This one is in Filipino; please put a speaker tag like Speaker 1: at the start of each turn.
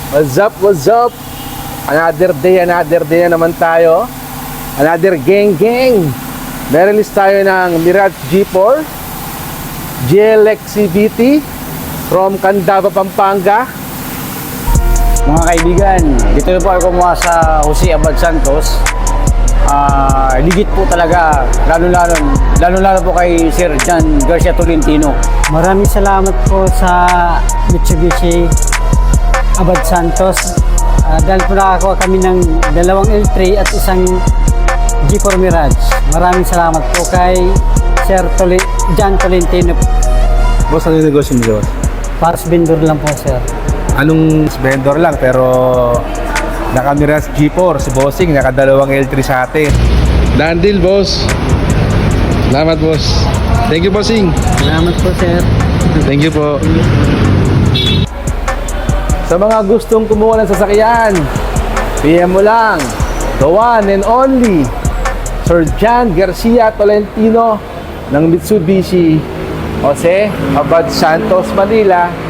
Speaker 1: What's up, what's up? Another day na naman tayo. Another gang. Meron-list tayo ng Mirage G4 GLX CVT from Candaba, Pampanga.
Speaker 2: Mga kaibigan, dito na po ako kumuha sa Jose Abad Santos. Ligit po talaga, lalo-lalo po kay Sir John Garcia Tolentino.
Speaker 3: Maraming salamat po sa Mitsubishi Abad Santos. Dahil po nakakuha kami ng dalawang L3 at isang G4 Mirage. Maraming salamat po kay Sir John Tolentino.
Speaker 1: Boss, ano yung negosyo niyo?
Speaker 3: Paras vendor lang po, sir.
Speaker 1: Anong vendor lang pero naka Mirage G4 si Bossing, naka dalawang L3 sa atin. Done deal, boss. Salamat, boss. Thank you, Bossing.
Speaker 3: Salamat po, sir.
Speaker 1: Thank you po. Sa mga gustong kumuha ng sasakyan, PM mo lang, the one and only Sir John Garcia Tolentino ng Mitsubishi Jose Abad Santos, Manila.